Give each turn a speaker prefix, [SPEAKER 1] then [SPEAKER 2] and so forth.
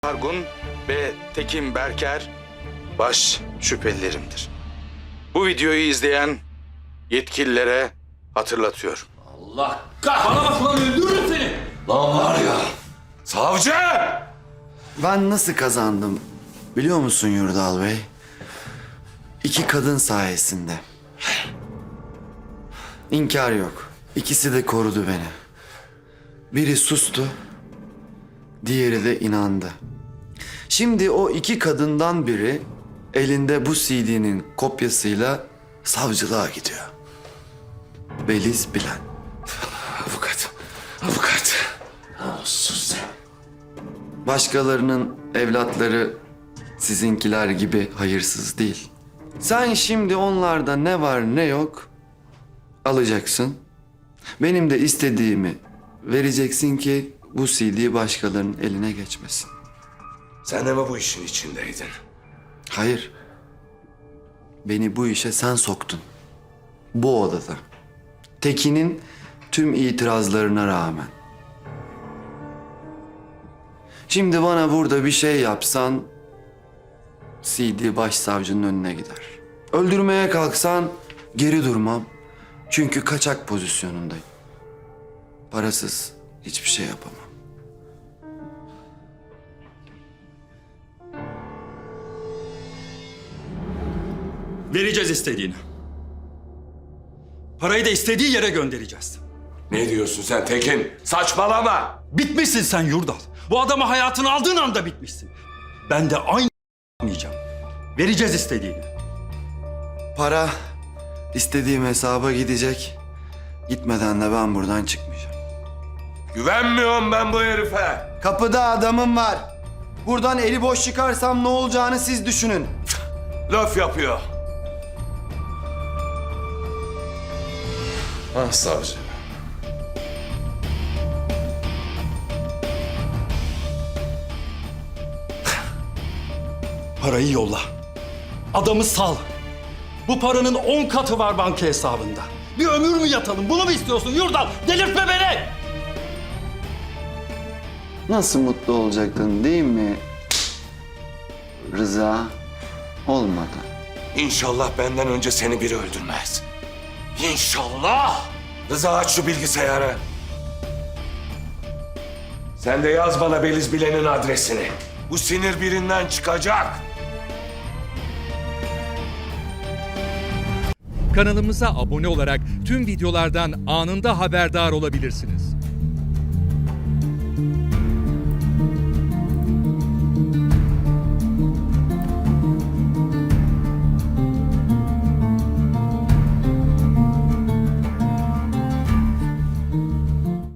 [SPEAKER 1] Argun ve Tekin Berker baş şüphelilerimdir. Bu videoyu izleyen yetkililere hatırlatıyorum.
[SPEAKER 2] Allah kahretsin. Bana bak lan, öldürürüm seni. Lan var ya. Savcı!
[SPEAKER 3] Ben nasıl kazandım biliyor musun Yurdal Bey? 2 kadın sayesinde. İnkar yok. İkisi de korudu beni. Biri sustu, diğeri de inandı. Şimdi o 2 kadından biri elinde bu CD'nin kopyasıyla savcılığa gidiyor. Beliz Bilen.
[SPEAKER 2] Avukat. Olsun sen.
[SPEAKER 3] Başkalarının evlatları sizinkiler gibi hayırsız değil. Sen şimdi onlarda ne var ne yok alacaksın. Benim de istediğimi vereceksin ki bu CD başkalarının eline geçmesin.
[SPEAKER 2] Sen de mi bu işin içindeydin?
[SPEAKER 3] Hayır. Beni bu işe sen soktun. Bu odada. Tekin'in tüm itirazlarına rağmen. Şimdi bana burada bir şey yapsan CD başsavcının önüne gider. Öldürmeye kalksan geri durmam. Çünkü kaçak pozisyonundayım. Parasız hiçbir şey yapamam.
[SPEAKER 4] Vereceğiz istediğini. Parayı da istediği yere göndereceğiz.
[SPEAKER 2] Ne diyorsun sen Tekin? Saçmalama.
[SPEAKER 4] Bitmişsin sen Yurdal. Bu adamı hayatını aldığın anda bitmişsin. Ben de aynı yapmayacağım. Vereceğiz istediğini.
[SPEAKER 3] Para istediğim hesaba gidecek. Gitmeden de ben buradan çıkmayacağım.
[SPEAKER 2] Güvenmiyorum ben bu herife.
[SPEAKER 3] Kapıda adamım var. Buradan eli boş çıkarsam ne olacağını siz düşünün.
[SPEAKER 2] Laf yapıyor. Ah savcı.
[SPEAKER 4] Parayı yolla. Adamı sal. Bu paranın 10 katı var banka hesabında. Bir ömür mü yatalım? Bunu mu istiyorsun Yurdal? Delirtme beni!
[SPEAKER 3] Nasıl mutlu olacaktın değil mi? Rıza olmadı.
[SPEAKER 2] İnşallah benden önce seni biri öldürmez. İnşallah. Rıza aç şu bilgisayarı. Sen de yaz bana Beliz Bilen'in adresini. Bu sinir birinden çıkacak.
[SPEAKER 5] Kanalımıza abone olarak tüm videolardan anında haberdar olabilirsiniz.